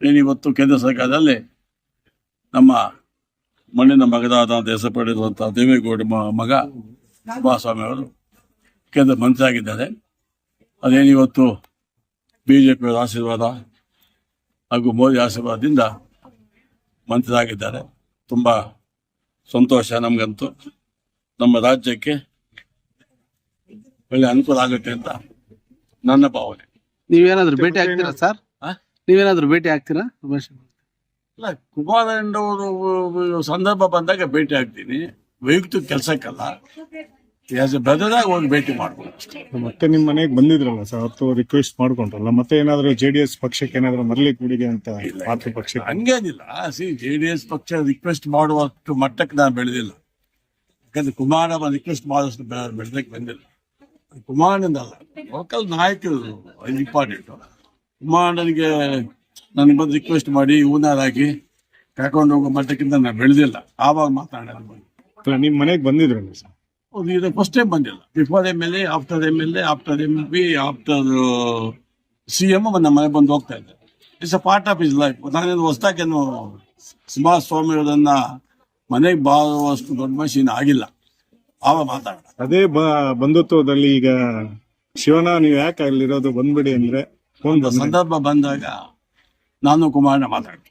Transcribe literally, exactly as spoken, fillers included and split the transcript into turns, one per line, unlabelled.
ಏನಿವತ್ತು ಕೇಂದ್ರ ಸರ್ಕಾರದಲ್ಲಿ ನಮ್ಮ ಮಣ್ಣಿನ ಮಗದಾದ ದೇಶ ಪಡೆದಿರುವಂತಹ ದೇವೇಗೌಡ ಮಗ ಕುಮಾರಸ್ವಾಮಿ ಅವರು ಕೇಂದ್ರ ಮಂತ್ರಿ ಆಗಿದ್ದಾರೆ. ಅದೇನಿವತ್ತು ಬಿಜೆಪಿಯವರ ಆಶೀರ್ವಾದ ಹಾಗೂ ಮೋದಿ ಆಶೀರ್ವಾದದಿಂದ ಮಂತ್ರಿ ಆಗಿದ್ದಾರೆ. ತುಂಬ ಸಂತೋಷ ನಮಗಂತೂ. ನಮ್ಮ ರಾಜ್ಯಕ್ಕೆ ಒಳ್ಳೆ ಅನುಕೂಲ ಆಗುತ್ತೆ ಅಂತ ನನ್ನ ಭಾವನೆ.
ನೀವೇನಾದ್ರೂ ಭೇಟಿ ಆಗ್ತೀರಾ ಸರ್? ನೀವೇನಾದ್ರೂ ಭೇಟಿ ಆಗ್ತೀರಾ?
ಇಲ್ಲ, ಕುಮಾರಣ್ಣವರು ಸಂದರ್ಭ ಬಂದಾಗ ಭೇಟಿ ಆಗ್ತೀನಿ, ವೈಯಕ್ತಿಕ ಕೆಲಸಕ್ಕಲ್ಲ. ಆಸ್ ಎ ಬ್ರದರ್ ಆಗಿ ಹೋಗಿ ಭೇಟಿ ಮಾಡ್ಬೋದು.
ಮತ್ತೆ ನಿಮ್ ಮನೆಗೆ ಬಂದಿದ್ರಲ್ಲ ಸರ್, ಅವತ್ತು ರಿಕ್ವೆಸ್ಟ್ ಮಾಡ್ಕೊಂಡ್ರಲ್ಲ, ಮತ್ತೆ ಏನಾದ್ರು ಜೆಡಿಎಸ್ ಪಕ್ಷಕ್ಕೆ ಏನಾದ್ರು ಮರಳಿ ಕೂಡಿಗೆ ಅಂತ ಮಾತೃ ಪಕ್ಷಕ್ಕೆ?
ಹಂಗೇನಿಲ್ಲ. ಸಿ ಜೆ ಡಿ ಎಸ್ ಪಕ್ಷ ರಿಕ್ವೆಸ್ಟ್ ಮಾಡುವಷ್ಟು ಮಟ್ಟಕ್ಕೆ ನಾನು ಬೆಳೆದಿಲ್ಲ. ಯಾಕಂದ್ರೆ ಕುಮಾರಣ್ಣ ರಿಕ್ವೆಸ್ಟ್ ಮಾಡೋಷ್ಟು ಬೆಳೆದಕ್ಕೆ ಬಂದಿಲ್ಲ. ಕುಮಾರಣ್ಣಂದಲ್ಲ, ಲೋಕಲ್ ನಾಯಕರು ಇಂಪಾರ್ಟೆಂಟ್. ಕುಮಾರಣ್ಣನಿಗೆ ನನಗೆ ಬಂದು ರಿಕ್ವೆಸ್ಟ್ ಮಾಡಿ ಇವನಾರಾಗಿ ಕರ್ಕೊಂಡು ಹೋಗೋ ಮಟ್ಟಕ್ಕಿಂತ ನಾನು ಬೆಳೆದಿಲ್ಲ. ಆವಾಗ ಮಾತಾಡೋದು.
ನಿಮ್ ಮನೆಗೆ ಬಂದಿದ್ರಲ್ಲ ಸರ್?
ಇದು ಫಸ್ಟ್ ಟೈಮ್ ಬಂದಿಲ್ಲ. Before M L A, after M L A, after M P, after C M ನಮ್ಮ ಮನೆ ಬಂದು ಹೋಗ್ತಾ ಇದ್ದೆ. It's a part of his life. ನಾನೇನು ಹೊಸದಾಗೇನು ಕುಮಾರಸ್ವಾಮಿ ಅವರನ್ನ ಮನೆಗೆ ಬಾರುವಷ್ಟು ದೊಡ್ಡ ಮಷೀನ್ ಆಗಿಲ್ಲ. ಆವಾಗ ಮಾತಾಡ
ಅದೇ ಬಂಧುತ್ವದಲ್ಲಿ ಈಗ ಶಿವನ ನೀವು ಯಾಕೆ ಅಲ್ಲಿರೋದು ಬಂದ್ಬಿಡಿ ಅಂದ್ರೆ
ಒಂದು ಸಂದರ್ಭ ಬಂದಾಗ ನಾನು ಕುಮಾರಣ್ಣ ಮಾತಾಡ್ತೀನಿ.